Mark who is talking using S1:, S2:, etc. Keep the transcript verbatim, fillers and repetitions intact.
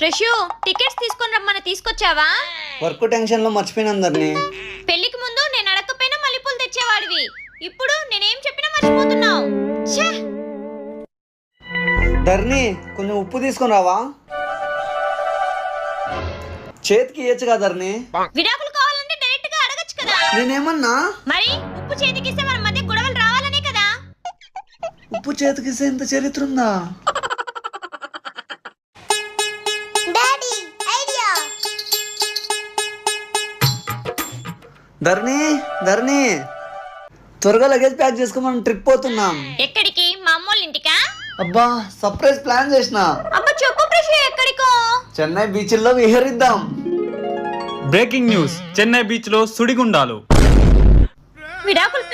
S1: ప్రశు tickets తీసుకొని రమ్మని తీసుకొచ్చావా?
S2: వర్క్ టెన్షన్ లో మర్చిపోయిన అందరినీ.
S1: పెళ్లికి ముందు నేను అడగకపోయినా మల్లెపూలు తెచ్చేవాడివి, ఇప్పుడు నేనేం చెప్పినా మర్చిపోతున్నావు. ఛే!
S2: ధర్ని కొంచెం ఉప్పు తీసుకొని రావా? చేతికి ఇయ్యచ్చు కదా ధర్ని.
S1: విడాకులు కావాలంటే డైరెక్ట్ గా అడగచ్చు కదా.
S2: నేనేమన్నా?
S1: మరి ఉప్పు చేతికిస్తే మన మధ్య గొడవలు రావాలనే కదా.
S2: ఉప్పు చేతికిస్తే ఇంత చరిత్ర ఉందా? ధర్ని ధర్ని త్వరగా లగేజ్ ప్యాక్ చేసుకోమని ట్రిప్ పోతున్నాం.
S1: ఎక్కడికి? మా అమ్మోళ్ళ ఇంటికా?
S2: అబ్బా సర్ప్రైజ్ ప్లాన్ చేసిన.
S1: అబ్బా చెప్పు ప్రశు, ఎక్కడికో?
S2: చెన్నై బీచ్ లో విహరిద్దాం.
S3: బ్రేకింగ్ న్యూస్, చెన్నై బీచ్ లో సుడిగుండాలు.
S1: విడాకులు